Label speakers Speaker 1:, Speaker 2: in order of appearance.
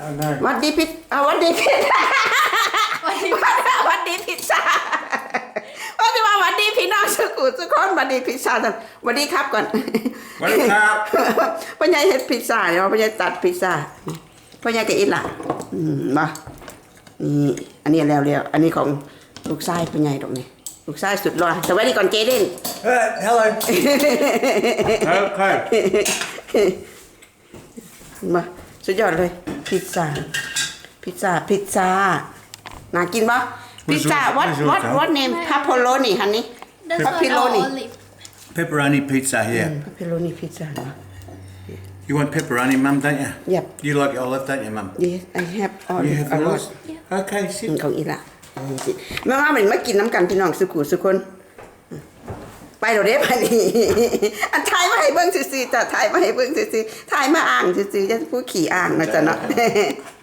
Speaker 1: วัดดีพิซวัดดีพิซวัดดีพิซซ่าว่าจะมาวัดดีพี่น้องสุขุสุขคนวัดดีพิซซ่าท่านวัดดีครับก่อน
Speaker 2: สวัสดีครับ
Speaker 1: พ่อใหญ่เฮ็ดพิซซ่าเดี๋ยวพ่อใหญ่ตัดพิซซ่าพ่อใหญ่ก็อินล่ะมานี่อันนี้แล้วอันนี้ของลูกชายพ่อใหญ่ตรงนี้ลูกชายสุดหล่อสวัสดีก่อนเจเด่น
Speaker 2: Hello
Speaker 1: มาสุดยอดเลยพิซซ่าน่ากินปะพิซซ่า what name pepperoni honey
Speaker 3: That's
Speaker 1: Pepperoni.
Speaker 3: like olive.
Speaker 2: Pepperoni pizza here.
Speaker 1: pepperoni pizza เนาะ
Speaker 2: You want pepperoni, Mum, don't you?
Speaker 1: Yep.
Speaker 2: You like olive, don't you, Mum?
Speaker 1: yes I have all
Speaker 2: You have
Speaker 1: a lot
Speaker 2: yours? Okay, sit.
Speaker 1: ของอีละแม่ว่ามันมากินน้ำกันพี่น้องสุขุสุคนไปเราเด้ไปนี่อันทายมาให้เบิ่งซื่อๆจ้ะทายมาให้เบิ่งซื่อๆทายมาอ่างซื่อๆจะผู้ขี่อ่างนะจ๊ะเนาะ